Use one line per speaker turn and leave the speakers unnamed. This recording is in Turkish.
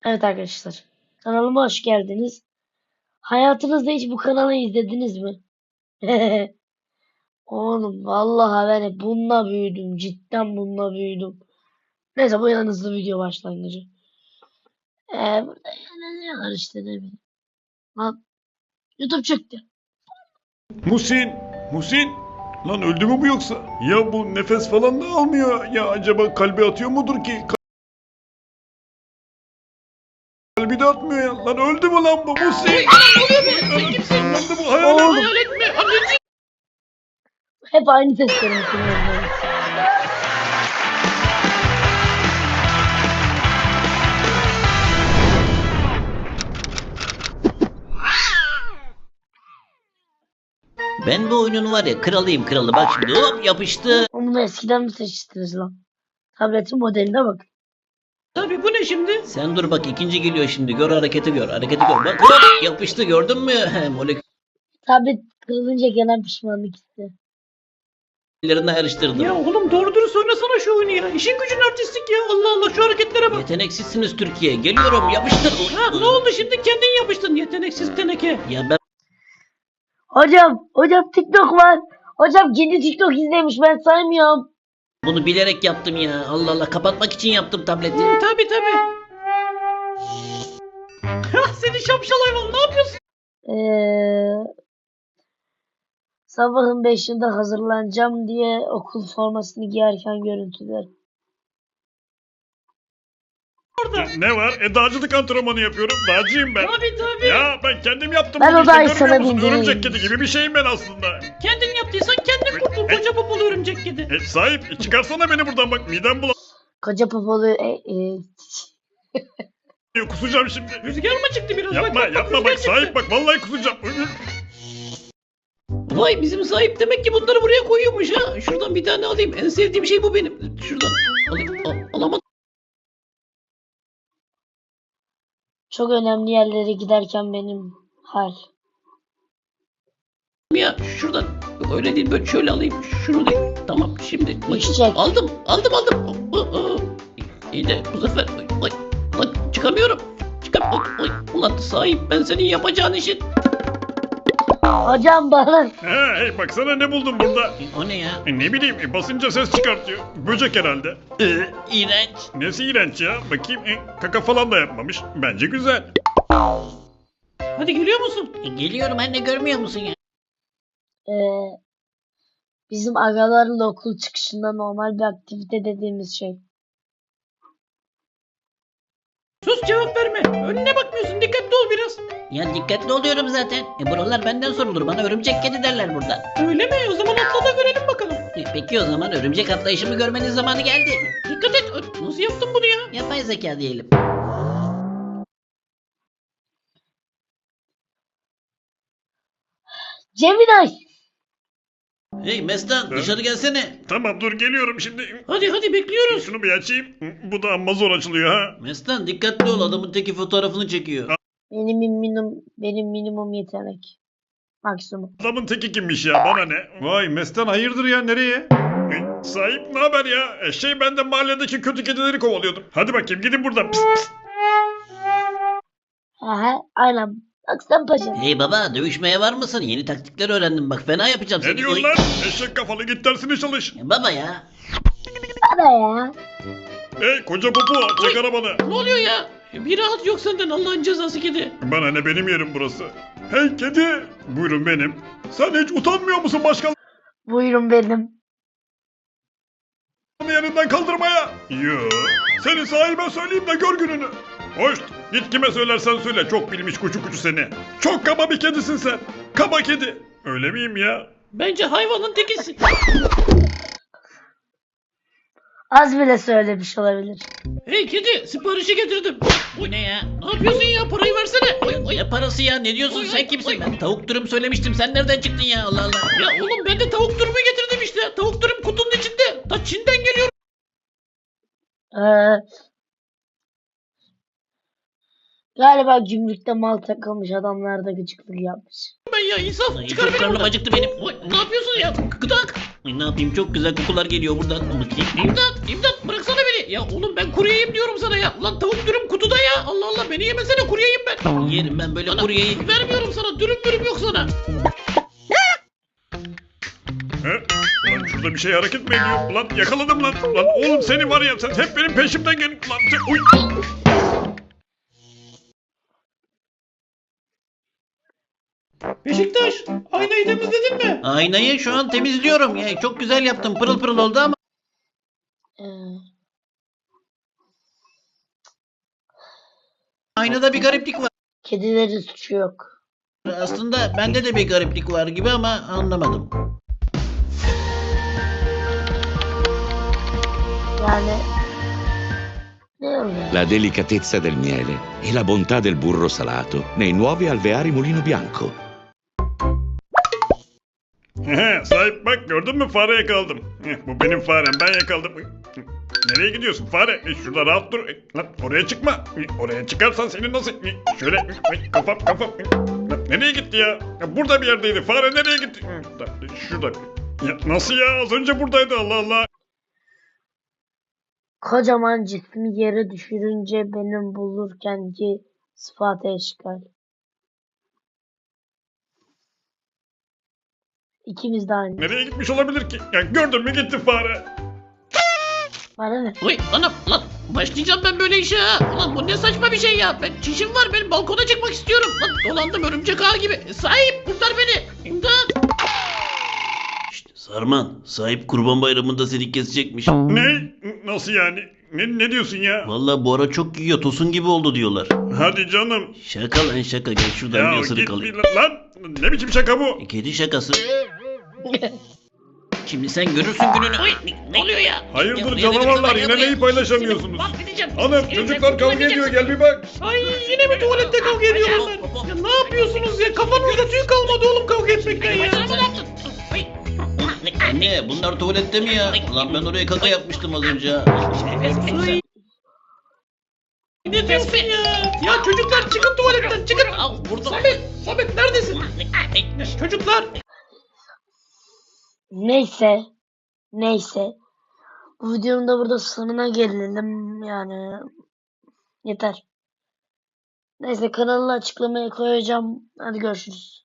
Evet arkadaşlar. Kanalıma hoş geldiniz. Hayatınızda hiç bu kanalı izlediniz mi? Oğlum vallahi ben hep bununla büyüdüm. Cidden bununla büyüdüm. Neyse bu en hızlı video başlangıcı. Burada eğleniyorlar işte ne bileyim. Lan YouTube çıktı.
Musin, lan öldü mü bu yoksa? Ya bu nefes falan da almıyor. Ya acaba kalbi atıyor mudur ki? Kalbi de atmıyor ya. Lan öldü mü lan bu Musin? Lan da bu hayalet.
Oğlum hep aynı sesleri duyuyorum.
Ben bu oyunun var ya kralıyım kralı. Bak şimdi hop yapıştı.
Onu eskiden mi seçtiniz lan? Tabletin modeline bak.
Tabii bu ne şimdi?
Sen dur bak ikinci geliyor şimdi. Gör hareketi gör. Hareketi gör. Bak hop yapıştı gördün mü?
Tablet kırılınca gelen pişmanlık hissi.
Moleküllerini ayrıştırdım.
Ya oğlum doğru dürüst oynasana şu oyunu ya. İşin gücün artistlik ya. Allah Allah şu hareketlere bak.
Yeteneksizsiniz Türkiye. Geliyorum yapıştır.
Ha ne oldu şimdi kendin yapıştın yeteneksiz teneke.
Ya ben
Hocam TikTok var. Hocam kendi TikTok izlemiş ben saymıyorum.
bunu bilerek yaptım ya. Allah Allah kapatmak için yaptım tableti.
Tabii. Hah seni şapşal hayvan ne yapıyorsun?
Sabahın 5'inde hazırlanacağım diye okul formasını giyerken görüntüler.
Orada.
Ne var? Dağcılık antrenmanı yapıyorum. Dağcıyım ben.
Tabii.
Ya ben kendim yaptım.
Ben
bunu
o
işte,
dahi
görmüyor
sana
musun?
bindireyim.
Örümcek kedi gibi bir şeyim ben aslında.
Kendin yaptıysan kendin kurtul koca popolu örümcek kedi.
Sahip çıkarsana beni buradan bak midem
Koca popolu
bulanıyor. Kusacağım şimdi.
Rüzgar mı çıktı biraz?
Yapma
rüzgar
bak
çıktı.
sahip bak vallahi kusacağım.
Vay bizim sahip demek ki bunları buraya koyuyormuş ha. Şuradan bir tane alayım. En sevdiğim şey bu benim. Şuradan alayım. Alamadım
çok önemli yerlere giderken benim hal.
ya. Şuradan. Yok öyle değil böyle şöyle alayım. Şunu değil. Tamam şimdi.
Düşecek.
Aldım. İyi de bu sefer. Lan çıkamıyorum. Ulan sahip ben senin yapacağın işin.
Hocam bana
Hey baksana ne buldum burada.
O ne ya?
Ne bileyim basınca ses çıkartıyor. Böcek herhalde.
İğrenç.
Nesi iğrenç ya? Bakayım kaka falan da yapmamış. Bence güzel.
Hadi geliyor musun?
Geliyorum anne görmüyor musun ya?
bizim agalarla okul çıkışında normal bir aktivite dediğimiz şey.
Sus cevap verme. Önüne bakmıyorsun. Dikkatli ol biraz.
Ya dikkatli oluyorum zaten. Buralar benden sorulur. Bana örümcek kedi derler burada.
Öyle mi? O zaman atla da görelim bakalım.
Peki o zaman örümcek atlayışımı görmenin zamanı geldi.
Dikkat et. Nasıl yaptın bunu ya?
Yapay zeka diyelim.
Gemini!
Hey Mestan dışarı gelsene.
Tamam dur geliyorum şimdi.
Hadi bekliyoruz.
Şunu bir açayım. Bu da amma zor açılıyor ha.
Mestan dikkatli ol adamın teki fotoğrafını çekiyor.
Benim minimum yetenek. Maksimum.
Adamın teki kimmiş ya bana ne? Vay Mestan hayırdır ya nereye? Sahip ne haber ya? Ben de mahalledeki kötü kedileri kovalıyordum. Hadi bakayım gidin buradan. Pis pis.
Aha, aynen. Bak sen paşam.
Hey baba dövüşmeye var mısın? Yeni taktikler öğrendim bak fena yapacağım seni.
Ne diyorsun lan? Eşek kafalı git dersine çalış.
Baba ya.
Bana ya.
Hey koca popo çek arabanı.
Ne oluyor ya? Bir rahat yok senden Allah'ın cezası kedi.
Bana ne benim yerim burası. Hey kedi. Buyurun benim. Sen hiç utanmıyor musun başkalarının
Buyurun benim.
yerinden kaldırmaya? Yo. Seni sahibe söyleyeyim de gör gününü. Hoş. Git kime söylersen söyle. Çok bilmiş kuçu seni. Çok kaba bir kedisin sen. Kaba kedi. Öyle miyim ya?
Bence hayvanın tekisin.
Az bile söylemiş olabilir.
Hey kedi siparişi getirdim.
Bu ne ya?
Ne yapıyorsun ya parayı versene.
Ne parası ya ne diyorsun sen kimsin? Ben tavuk dürüm söylemiştim sen nereden çıktın ya Allah Allah.
Ya oğlum ben de tavuk dürümü getirdim işte. Tavuk dürüm kutunun içinde. Ta Çin'den geliyor.
Ee, galiba gümrükte mal takılmış adamlar da gıcıklık yapmış.
Ben ya insaf
Ay,
çıkar
çok
beni
karnım
buradan.
acıktı benim.
Oy, ne yapıyorsun ya? Gıdak.
Ay, ne yapayım çok güzel kokular geliyor buradan.
İmdat bıraksana beni. Ya oğlum ben kuryeyim diyorum sana ya. Ulan tavuk dürüm kutuda ya. Allah Allah beni yemesene kuryeyim ben.
Yerim ben böyle
Ana,
kuryeyi.
vermiyorum sana dürüm yok sana.
He? Ulan şurada bir şey hareket mi ediyor? Ulan yakaladım lan. Lan oğlum seni var ya sen hep benim peşimden gel. Lan uy.
Beşiktaş aynayı temizledin mi?
Aynayı şu an temizliyorum. Ya, çok güzel yaptım. Pırıl pırıl oldu ama.
Ee,
Aynada bir gariplik var.
kedilerin suçu yok.
Aslında bende de bir gariplik var gibi ama anlamadım.
Yani ne oluyor?
La delicatezza del miele e la bontà del burro salato nei nuovi alveari Mulino Bianco.
Sahip bak gördün mü fare yakaladım. Bu benim farem ben yakaladım. Nereye gidiyorsun fare? Şurada rahat dur. Lan oraya çıkma. Oraya çıkarsan seni nasıl... Şöyle kafam. Lan nereye gitti ya? Burada bir yerdeydi. Fare nereye gitti? Şurada. Ya nasıl ya? Az önce buradaydı Allah Allah.
Kocaman cismi yere düşürünce benim bulurkenki sıfat eşkal. İkimiz de aynı.
Nereye gitmiş olabilir ki? Ya gördün mü gitti fare.
Bana ne?
Uy anam lan başlayacağım ben böyle işe ha. Ulan bu ne saçma bir şey ya. Ben çişim var benim balkona çıkmak istiyorum. Lan dolandım örümcek ağı gibi. Sahip kurtar beni. İmdat.
İşte Sarman, sahip Kurban Bayramı'nda seni kesecekmiş.
Ne? Nasıl yani? Ne diyorsun ya?
Vallahi bu ara çok yiyor, tosun gibi oldu diyorlar.
Hadi canım.
Şaka lan şaka, gel şuradan
Ya
bir
git
ısırık
bir
alayım.
lan. Ne biçim şaka bu?
Kedi şakası. Şimdi sen görürsün gününü.
Uy ne oluyor ya?
Hayırdır
Buraya
canavarlar
dedim,
yine
buraya.
neyi paylaşamıyorsunuz?
Mahvedeceğim.
Hanım
Seni
çocuklar
sen
kavga ediyor
kurtulamayacaksın.
gel bir bak.
Ay yine mi tuvalette kavga ediyorlar? Ya ne yapıyorsunuz ya? Kafanızda tüy kalmadı oğlum kavga etmekten ya.
Anne bunlar tuvalette mi ya? Lan ben oraya kaka yapmıştım az önce ha.
Ne diyorsun ya? Ya çocuklar çıkın tuvaletten çıkın. Al burada. Samet neredesin? Çocuklar.
Neyse. Bu videonun da burada sonuna gelelim yani. Yeter. Neyse kanalı açıklamaya koyacağım. Hadi görüşürüz.